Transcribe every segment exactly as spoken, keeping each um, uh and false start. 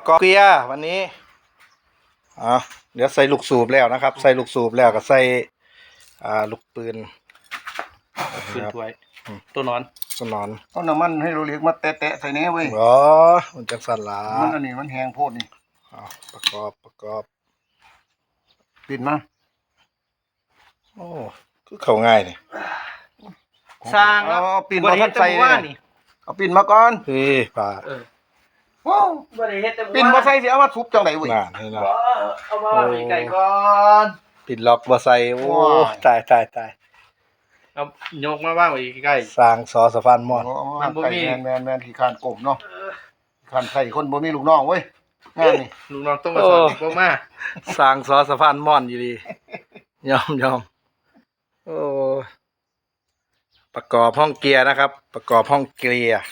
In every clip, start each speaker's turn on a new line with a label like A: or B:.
A: กอบเกียร์วันนี้อ่ะเดี๋ยวใส่ลูกสูบแล้วนะครับ ใส่ลูกสูบแล้วก็ใส่อ่าลูกปืน
B: ปืนถ้วยตัวนอน
A: สนอน
C: เอาน้ำมันให้เราเรียกมาแตะๆใส่แหน่เว้ย
A: อ๋อมันจังสั่นละ
C: มันอันนี้มันแห้งโพดนี่
A: อ่ะประกอบประกอบ
C: ปิดมา
A: โอ้คือเข้าง่ายนี่
B: สร้าง
C: เอาเอาปิด
B: บ่
C: มา
B: ได้เฮ็
C: ทั
B: ด
C: น
B: แต่
C: ใส่
B: เมื่อ
C: เล
B: วาน
C: ย
B: นี่
C: เอาปิดมาก่อน
A: เฮ้ยป่า
B: เออ
C: ว้าว
B: บ่ได้เฮ็ดแต่เมื่อ
C: ปิด
B: วาน
C: มาใส่สิเอามาทุบจังไดเว้ย
A: น่านี่นะ
B: บ่เอามาไว้ไก่ก่อน
A: ปิดล็อกบ่ใส่โอ้
C: ว้าย
A: ตายตายตาย
B: เอายกมาว่างไว้ใกล้
A: สร้างสอสะพานมอน
C: เอา
B: มันบ่
C: ไก่
B: มี
C: แมนแมนแมนขี้คานกบเนาะขี้คานไข่คนบ่มีลูกน้องเว้ยงานนี่
B: ลูกน้องต้องมาสอนอีกบ่มา
A: สร้างสอสะพานมอนอยู่ดียอมยอมโอ้ประกอบห้องเกียร์นะครับ ประกอบห้องเกียร์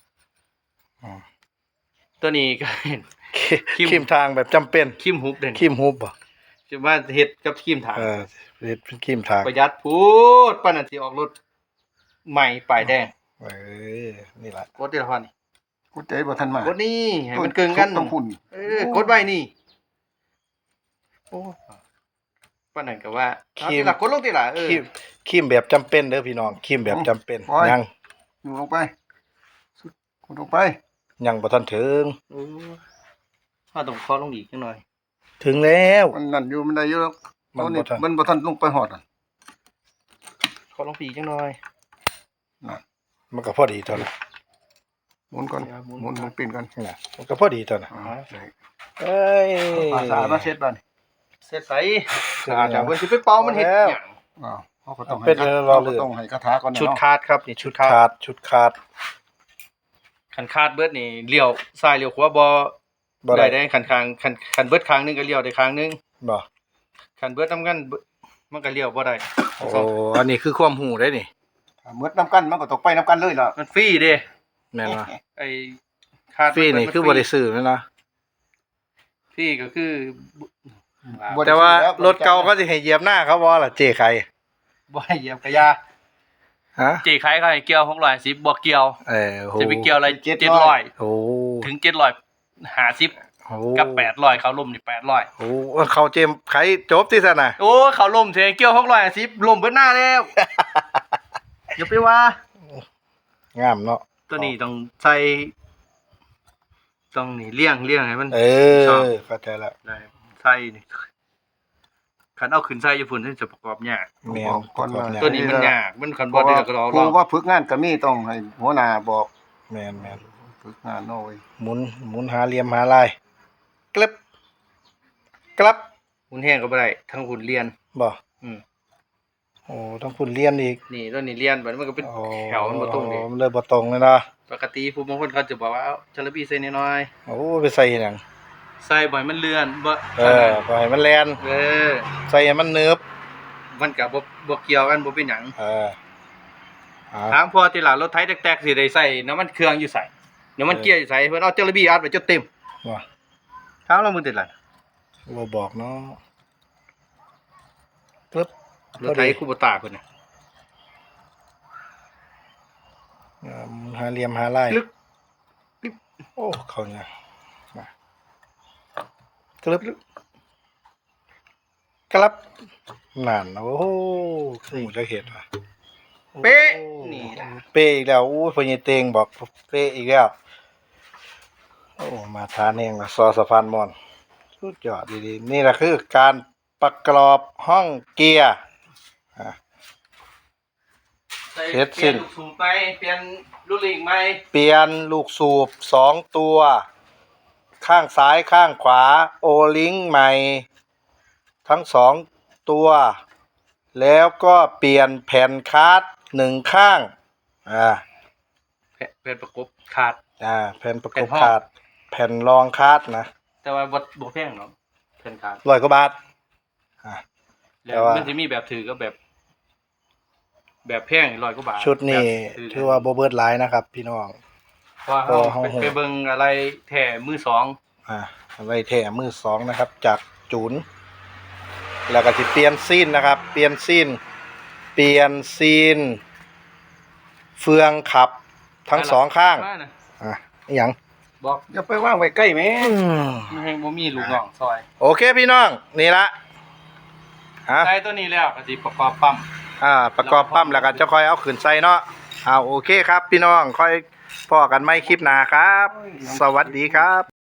B: ตัวนี้ก็เห็น คิม
A: คิมทางแบบจำเป็น
B: คิมฮุบเด่น
A: คิมฮุบบ่
B: จะว่าเฮ็ดกับคิมถาง
A: เออเฮ็ดเป็นคิมทาง
B: ประหยัดพูดปานนั้นสิออกรถใหม่ป้ายแดง
A: เออนี่ล่ะ
B: กดทีละพันนี่
C: กูใจบ่ทันมาก
B: ดนี่ให้มันเกินกัน
C: ต้องพุ่น
B: เออกดไว้นี่โอ้ปานนั้นก็ว่าเอาทีละกดลงทีละเออ
A: คิมคิมแบบจำเป็นเด้อพี่น้องคิมแบบจำเป็นยัง
C: อยู่ลงไปกูลงไป
A: ยังบ่ทันถึง
B: โอ้ถ้าต้องขอลงอีกจังหน่อย
A: ถึงแล้ว
C: มันนั่นอยู่มันได้อยู่แล้ว
A: มัน
C: เอานี่
A: บ่ทัน
C: มันบ่ทันลงไปหอดอ่ะ
B: ขอลงปีกจังหน่อย
A: มันก็พอดีเท่านั้น
C: หมุนก่อน
B: หมุน
C: หมุนหมุนปิ่นก่อน
A: น่ะมันก็พอดีเท่านั้น
C: อ่าใส่
A: เอ้ย
C: ภาษามาเช็ดบ้าน
B: เสร็จใส่สะอาดจากเพิ่นสิไปเป่ามันเฮ็ดหยัง
C: อ้าวเขาก็ต้องให้
A: เป็น
C: คา
A: รอ
C: เขา
A: เรื
C: ก็
A: อ
C: ต้องให้คาถาก่อนนะ
B: ชุด
C: เนาะ
B: คาดครับนี่ชุดคา
A: ขา
B: ด
A: ดชุดขาด
B: คันคาดเบิดนี่เลี้ยวซ้ายเลี้ยวขวาบ่
A: บ่ได้
B: ได้ได้คันข้างคันคันเบิดข้างหนึงก็เลี้ยวได้ข้างหนึง
A: บ่
B: คันเบิดนำกันเบิดมันก็เลี้ยวบ่ได้
A: โอ้อันนี้คือความหูได้นี่
C: ถ้าเมืดน้ำกันมันก็ตกไปน้ำกันเลยล่ะ
B: มันฟรีเด้
A: แม่นว่า
B: ไอ้คาด
A: ฟรีนี่คือบ่ได้ซื้อแม่นนะ
B: ฟรีก็คือ
C: บ่ได้
A: แต่ว่า
C: ซื้อแล้ว
A: รถเก่าก็สิให้เหยียบหน้าเขาบ่ล่ะเจ๊ไข่
B: บ่ให้เหยียบกระยา
A: ฮะ
B: จีขายเขาให้เกี่ยวหกร้อยห้าสิบบ่เกี่ยว
A: เออโห
B: จะไปเกี่ยวอะไรเจ็ดร้อย
A: โอ้
B: ถึงเจ็ดร้อยห้าสิบ
A: โอ้
B: กับแปดร้อยเขาล่มนี่แปดร้อย
A: โอ้เขาเจมไข่จบที่ซั่นน่ะ
B: โอ้เขาล่มเทเกี่ยวหกร้อยห้าสิบล่มเบิดหน้าแล้ว อย่าไปว่า
A: งามเนาะ
B: ตัวนี้ต้องใส่ต้องนี่เลี่ยงเลี่ยงให้มัน
A: เอ
B: ชอบ
A: อเข้าใจละ
B: ได้ใส่นี่คันเอาขึ้นใส่ญี่ปุ่นที่จะประกอบยาก
A: แม่
C: บอกก่อนว่า
A: ประกอบ
B: ตัวนี้มันยากมันคัน
C: เพ
B: บ่
C: ราะ
B: ได้
C: ว่า
B: ก็รอ
C: ครู
B: รอ
C: ว่าฝึกงานก็มีต้องให้หัวหน้าบอก
A: แม่นแม่น
C: ฝึกงานเนาะเว้ย
A: หมุนหมุนหาเหลี่ยมหาลายกลับกลับ
B: หุ่นแห้งก็บ่ได้ทั้งหุ่นเรียน
A: บ่
B: อืม
A: โอ้ต้องคุณเรียนอีก
B: นี่ตัวนี้เรียนบัดมันก็เป็น
A: โอ้
B: แถวมันบ่ตรงเด้
A: มันเลยบ่ตรงเลยนะ
B: ปกติผู้บางคนเขาจะบอกว่าเอาจระบีใส่น้อย
A: โอ้ไปใส่หยัง
B: ๆใส่บ่อยมันเลื่อนบ่
A: เออปล่อยมันแลน
B: เออ
A: ใส่ให้มันเนิบ
B: มันก็บ่บ่เกี่ยวกันบ่เป็นหยัง
A: เอออ่า
B: ถามพอที่หลังรถไถแตกๆสิได้ใส่น้ำมันเครื่องอยู่ใส่น้ำมันเกียร์อยู่ใส่เพิ่นเอาจระบีอัดไว้จนเต็ม
A: ว่า
B: ถามแล้วมึงติดหลัง
A: บ่บอกเนาะปึ๊บ
B: รถไถคูโบตาเพิ่นน่ะ
A: อ่าหมุนหาเหลี่ยมหาลาย
B: ลึก
A: โอ้เขาเนี่ยมากลับกลับนั่นโอ้โหคือจะเห็นว่ะ
B: เป๊ะ
A: โอ้
B: นี่ล่ะ
A: เป๊ะอีกแล้วอู้พญเตงบอกเป๊ะอีกแล้วโอ้มาทานเองละซอสะพานมอนสุดยอดดีๆนี่แหละคือการประกอบห้องเกียร์อ่ะ
B: ใส่
A: เสร็จสิ้น
B: ปลี่ยลูกสูบไปเปลี่ยนลูกลิงใหม่
A: เปลี่ยนลูกสูบสองตัว ข้างซ้ายข้างขวาโอลิงใหม่ ทั้งสองตัว แล้วก็เปลี่ยนแผ่นคาร์ดหนึ่งข้างอ่า
B: แผ่นแผ่นประกบขาด
A: อ่าแผ่นประก
B: แผ่
A: บ
B: นห้อง
A: คาร์ดแผ่นรองคาร์ดนะ
B: แต่ว่าบ่บ่แพงเนาะแผ่นขาด
A: ร้อยกว่าบาทอ่า
B: แล้
A: แต่
B: ว
A: ว่า
B: มันสิมีแบบถือกับแบบ แบบแพงร้อยกว่าบาท
A: ชุดนี้
B: แบบถื
A: ถือว่าโบเบิร์ดไลน์นะครับ พี่น้อง
B: เพราะว่า
A: โอ้
B: เฮา
A: ห้อง
B: ไป
A: หก
B: ไปเบิ่งอะไรแท้มือสอง
A: อ่าไว้แถมมือสองนะครับ จากจูน แล้วก็จะเปลี่ยนซีนนะครับ เปลี่ยนซีนเปลี่ยนซีน เฟืองขับทั้งสองข้าง
B: ว่านะ
A: อ่ะอหย่าง
B: บอก
C: อย่าไปว่างไว้ใกล้แม่
B: ไม่ให้บ่มีลูกน้องซอย
A: โอเคพี่น้องนี่ละฮะ
B: ใส่ตัวนี้แล้วก็สิประกอบปั๊ม
A: อ่าประกอบปั๊มแล้วก็จะค่อยเอาขึ้นใส่เนาะเอาโอเคครับพี่น้องค่อยพอกันไม่คลิปหน้าครับ สวัสดีครับ